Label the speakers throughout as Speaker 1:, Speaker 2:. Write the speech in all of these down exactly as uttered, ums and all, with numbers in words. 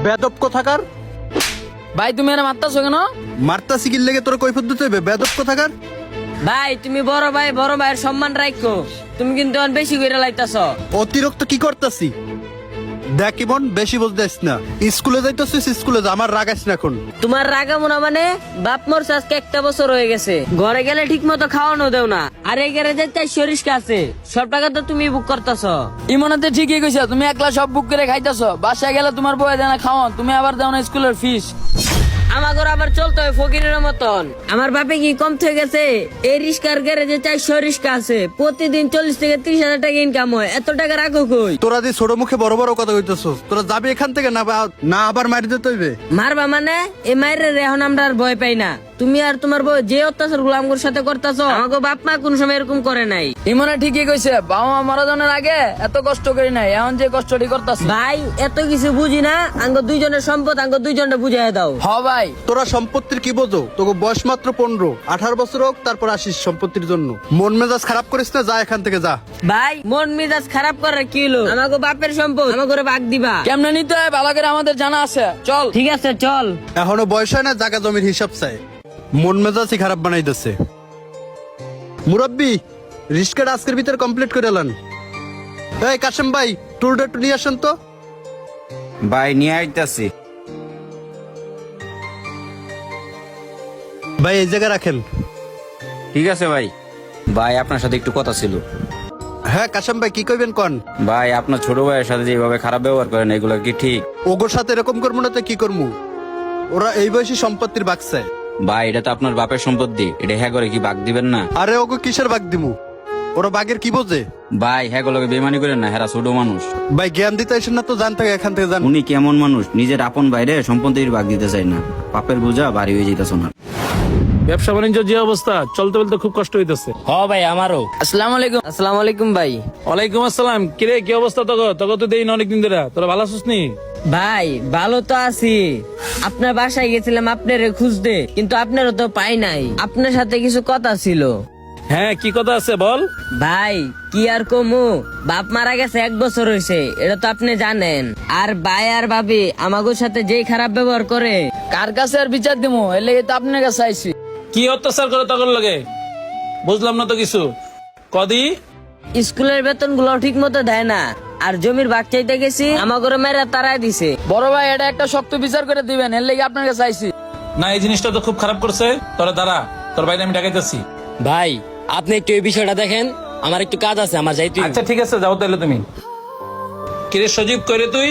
Speaker 1: বেদব কোথাকার।
Speaker 2: ভাই তুমি এরা মারতাছো কেন?
Speaker 1: মারতাছি কি লেগে তোর কৈফিয়ত দিতে হবে, বেদব কোথাকার।
Speaker 3: ভাই তুমি বড় ভাই বড় ভাইয়ের সম্মান রাখো, তুমি কিন্তু অনেক বেশি করে লাইতাছ।
Speaker 1: অতিরিক্ত কি করতাছি দেখ ইমন, বেশি বুঝতেছ না। স্কুলে যাইতেছিস, স্কুলে যা, আমার রাগাইস না এখন।
Speaker 3: তোমার রাগামো না মানে? বাপ মরছে আজকে একটা বছর হয়ে গেছে, ঘরে গেলে ঠিক মতো খাওয়ানো দেও না, আর এই গ্যারেজে তাই সরিষ্কা আছে, সব টাকা তো তুমি বুক করতেছ।
Speaker 2: ইমনাতে ঠিকই কইছো, তুমি একলা সব বুক করে খাইতাছো, বাসায় গেলে তোমার বয়ে দেয় না খাওয়ান, তুমি আবার দাও না স্কুলের ফিস।
Speaker 3: আমার ঘর আবার চলতে হয় ফকিরের মতন। আমার বাপে কি কম থেকে গেছে? এই রিস্কার গ্যারেজে চারশো রিস্কা আছে, প্রতিদিন চল্লিশ থেকে ত্রিশ হাজার টাকা ইনকাম হয়, এত টাকা রাখো কই?
Speaker 1: তোরা যে ছোট মুখে বড় বড় কথা কইতেছস, তোরা যাবি এখান থেকে না বা- না আবার মারি দিতে হইবে।
Speaker 3: মারবা মানে? এই মায়ের এখন আমরা আর ভয় পাই না। তুমি আর তোমার বউ যে অত্যাচার গুলো আমার সাথে করতেছ, আমাকে বাপ মা কোন সময় এরকম করে নাই।
Speaker 2: ইমনে ঠিকই কইছে, বাবা মা মারা যাওয়ার আগে এত কষ্ট করি নাই, এখন যে কষ্টটি করতাছি।
Speaker 3: ভাই এত কিছু বুঝি না, আঙ্গ দুইজনের সম্পদ আঙ্গ দুইজনটা বুঝাই দাও।
Speaker 2: হ ভাই,
Speaker 1: তোরা সম্পত্তির কি বোঝো? তোকে বয়স মাত্র পনেরো আঠারো বছর হোক, তারপর আসিস সম্পত্তির জন্য। মন মেজাজ খারাপ করিস না, যা এখান থেকে যা।
Speaker 3: ভাই মন মেজাজ খারাপ করার কি হলো? আমাকে বাপের সম্পদ আমার করে ভাগ দিবা।
Speaker 2: কেমনে নিতে হয় ভালো করে আমাদের জানা আছে, চল।
Speaker 3: ঠিক আছে চল।
Speaker 1: এখনো বয়স হয় না, জায়গা জমির হিসাব চাই। মন মেজাজই খারাপ বানাই দিচ্ছে। মুরব্বি, রিস্কাটা আজকের ভিতরে কমপ্লিট করে এলেন। এই কাশেম ভাই, টুলটা একটু নিয়ে আসেন তো।
Speaker 4: ভাই নিয়ে আইতাছি।
Speaker 1: ভাই এই জায়গায় রাখেন।
Speaker 4: ঠিক আছে ভাই। ভাই আপনার সাথে একটু কথা ছিল।
Speaker 1: হ্যাঁ কাশেম ভাই, কি কইবেন কন।
Speaker 4: ভাই আপনার ছোট ভাইয়ের সাথে যেভাবে খারাপ ব্যবহার করেন, এগুলো কি ঠিক?
Speaker 1: ওগোর সাথে এরকম করবো না তো কি করবো? ওরা এই বয়সী সম্পত্তির বাগ চায়।
Speaker 4: ভাই এটা তো আপনার বাপের সম্পত্তি, এটা হ্যাঁ করে কি বাগ দিবেন না?
Speaker 1: আরে ওগো কিসের বাগ দিমু? ওরা বাগের কি বোঝে?
Speaker 4: ভাই হ্যাঁ গুলোকে বেমানি করেন না, হেরা ছোট মানুষ।
Speaker 1: ভাই জ্ঞান দিতে আসেন না তো, জান থেকে এখান থেকে যান।
Speaker 4: উনি কেমন মানুষ, নিজের আপন বাইরে সম্পত্তির ভাগ দিতে চায় না, পাপের বোঝা ভারী হয়ে যেতেছ না।
Speaker 5: ব্যবসা বাণিজ্য যে অবস্থা, চলতে বলতে খুব কষ্ট হইতেছে।
Speaker 3: হ ভাই আমারও।
Speaker 2: আসসালামু আলাইকুম।
Speaker 3: আসসালামু আলাইকুম ভাই।
Speaker 5: ওয়ালাইকুম আসসালাম। কিরে কি অবস্থা তোর? তোকে তো দেই না অনেকদিন ধরে, তোরা ভালো আছিস নি?
Speaker 3: ভাই ভালো তো আছি, আপনার বাসায় গেছিলাম আপনারে খুঁজতে, কিন্তু আপনারও তো পাই নাই। আপনার সাথে কিছু কথা ছিল।
Speaker 5: হ্যাঁ কি কথা আছে বল।
Speaker 3: ভাই কি আর কমু, বাপ মারা গেছে এক বছর হয়েছে, এটা তো আপনি জানেন। আর ভাই আর ভাবি আমাগোর সাথে যেই খারাপ ব্যবহার করে,
Speaker 2: কার কাছে আর বিচার দিমু, এর লেগে তো আপনার কাছে আইছি।
Speaker 5: কি অত্যাচার করে তখন লাগে বুঝলাম না তো কিছু। কদি
Speaker 3: স্কুলের বেতন গুলো ঠিক মতো দেয় না, আর জমির ভাগ চাইতে গেছি, আমাগোরে মেয়েরা তারাই দিছে।
Speaker 2: বড় ভাই এটা একটা শক্ত বিচার করে দিবেন, এর লেগে আপনার কাছে আইছি।
Speaker 5: না, এই জিনিসটা তো খুব খারাপ করছে। তোরা দাঁড়া, তোর বাইরে আমি ডাকাইতেছি।
Speaker 6: ভাই আপনি একটু এই বিষয়টা দেখেন, আমার একটু কাজ আছে, আমার যাইতে হবে।
Speaker 5: আচ্ছা ঠিক আছে, যাও তাহলে তুমি। কিরে সজীব করে তুই?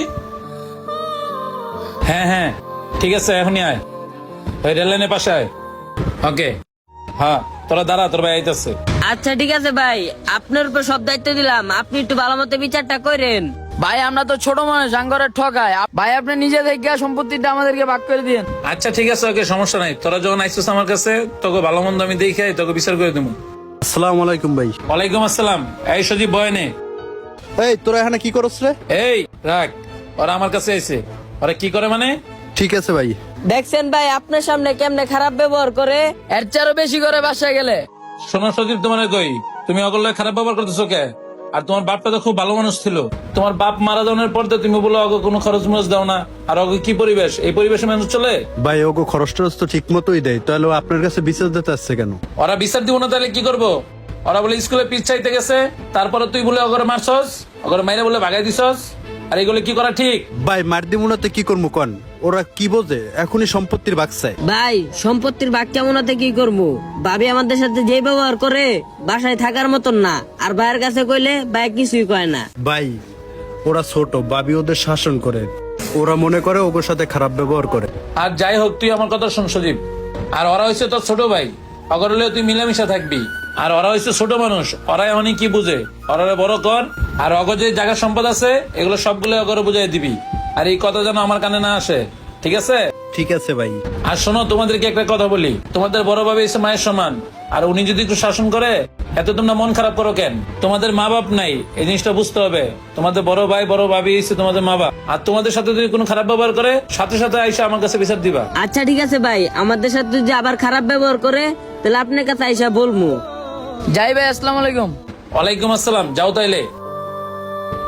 Speaker 5: হ্যাঁ হ্যাঁ ঠিক আছে, এখনই আয়, ওই রেল লাইনের পাশে আয়। ওকে হ্যাঁ, তোরা দাঁড়া, তোর ভাই আইতাছে।
Speaker 3: আচ্ছা ঠিক আছে ভাই, আপনার উপর সব দায়িত্ব দিলাম, আপনি একটু ভালো মতো বিচারটা করেন।
Speaker 2: ভাই আমরা তো ছোট মানুষ, আঙ্গরের ঠকায়, ভাই আপনি নিজে থেকে সম্পত্তিটা আমাদেরকে ভাগ করে দিন।
Speaker 5: আচ্ছা ঠিক আছে, ওকে সমস্যা নাই। তোরা যখন আইসিস আমার কাছে, তোকে ভালো মন্দ আমি দেখে তোকে বিচার করে দেবো।
Speaker 1: আসসালামু আলাইকুম ভাই।
Speaker 5: ওয়ালাইকুম আসসালাম। এই সজীব বয়নে।
Speaker 1: এই তোরা এখানে কি করছ রে?
Speaker 5: এই রাখ, ওরা আমার কাছে আইছে। ওরা কি করে মানে?
Speaker 1: ঠিক আছে ভাই।
Speaker 3: দেখছেন ভাই আপনার সামনে কেমনে খারাপ ব্যবহার করে।
Speaker 2: এর চেয়ে আরো বেশি করে বাসায় গেলে।
Speaker 5: শোনো সজীব, তোমার কই, তুমি অগল্য খারাপ ব্যবহার করতেছো কে? আর তোমার বাপটা তো খুব ভালো মানুষ ছিল। তোমার বাপ মারা যাওয়ার পর তো তুমি বলো অগ কোনো খরচ মরচ দাও না। আর অগ কি পরিবেশ, এই পরিবেশে মানুষ চলে?
Speaker 1: ভাই ওগো খরচ টরচ তো ঠিক মতোই দেয়, তাহলে ও আপনার কাছে বিচার দিতে আসছে কেন?
Speaker 5: ওরা বিচার দিব না তাহলে কি করবো? ওরা বলে স্কুলে পিছ চাইতে গেছে, তারপরে তুই বলে অগরে মারছস, অগরে মাইরে বলে ভাগাই দিছস। আর এগুলো কি করা ঠিক?
Speaker 1: ভাই মার দিমুনাতে কি করবো কন? ওরা কি বোঝে? এখনই সম্পত্তির বাগ চায়।
Speaker 3: ভাই সম্পত্তির ভাগ কেমন হতে কি করবো? ভাবি আমাদের সাথে যে ব্যবহার করে, বাসায় থাকার মতন না। আর ভাইয়ের কাছে কইলে ভাই কিছুই কয় না।
Speaker 1: ভাই ওরা ছোট, ভাবি ওদের শাসন করে, ওরা মনে করে ওগোর সাথে খারাপ ব্যবহার করে।
Speaker 5: আর যাই হোক, তুই আমার কথা শোন সজীব। আর ওরা হয়েছে তোর ছোট ভাই, অগর হলেও তুই মিলামিশা থাকবি। আর ওরা হয়েছে ছোট মানুষ, ওরা এমনই কি বুঝে, ওরা বড় কর। আর অগর যে জায়গা সম্পদ আছে, এগুলো সবগুলো অগরে বুঝাই দিবি। আর এই কথা যেন আমার কানে না আসে, ঠিক আছে?
Speaker 1: ঠিক আছে ভাই।
Speaker 5: আর শোনো, তোমাদেরকে একটা কথা বলি, তোমাদের বড় ভাবে এসে মায়ের সমান। আর উনি যদি একটু শাসন করে, এত তোমরা মন খারাপ করো কেন? তোমাদের মা বাপ নাই, এই জিনিসটা বুঝতে হবে। তোমাদের বড় ভাই বড় ভাবি এসে তোমাদের মা বাপ। আর তোমাদের সাথে যদি কোনো খারাপ ব্যবহার করে, সাথে সাথে আইসা আমার কাছে বিচার দিবা।
Speaker 3: আচ্ছা ঠিক আছে ভাই, আমাদের সাথে যদি আবার খারাপ ব্যবহার করে, তাহলে আপনার কাছে আইসা বলবো।
Speaker 2: যাই ভাই, আসসালামু আলাইকুম।
Speaker 5: ওয়ালাইকুম আসসালাম। যাও তাইলে।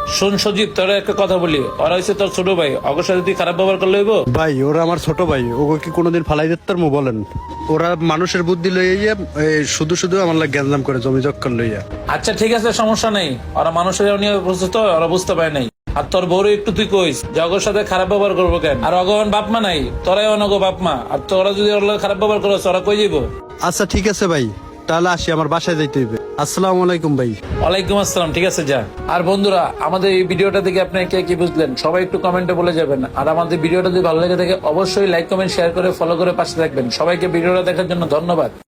Speaker 5: শোন সজীব, তোর একটা কথা বলি, ওরা হচ্ছে তোর ছোট ভাই, অগর সাথে তুই খারাপ ব্যবহার করলে হইব?
Speaker 1: ভাই ওরা আমার ছোট ভাই, ওকে কি কোনোদিন ফালাই দিতে পারবো বলেন? ওরা মানুষের বুদ্ধি লইয়া এই শুধু শুধু আমার লাগে গ্যাঞ্জাম করে জমি জক্কর লইয়া।
Speaker 5: আচ্ছা ঠিক আছে, সমস্যা নেই। ওরা মানুষের নিয়ে বুঝতে তো, ওরা বুঝতে পারে নাই। আর তোর বউরে একটু তুই কইস যে অগর সাথে খারাপ ব্যবহার করবো কেন। আর অগন বাপ মা নাই, তোরাই অনগ বাপ মা, আর তোরা যদি ওর লগে খারাপ ব্যবহার করো ওরা কই যাবো?
Speaker 1: আচ্ছা ঠিক আছে ভাই, তাহলে আসি, আমার বাসায় যাইতে হইবে। আসসালামু আলাইকুম ভাই।
Speaker 5: ওয়ালাইকুম আসসালাম। ঠিক আছে, যা। আর বন্ধুরা, আমাদের এই ভিডিওটা থেকে আপনি কে কি বুঝলেন সবাই একটু কমেন্টে বলে যাবেন। আর আমাদের ভিডিওটা যদি ভালো লেগে থাকে অবশ্যই লাইক কমেন্ট শেয়ার করে ফলো করে পাশে থাকবেন। সবাইকে ভিডিওটা দেখার জন্য ধন্যবাদ।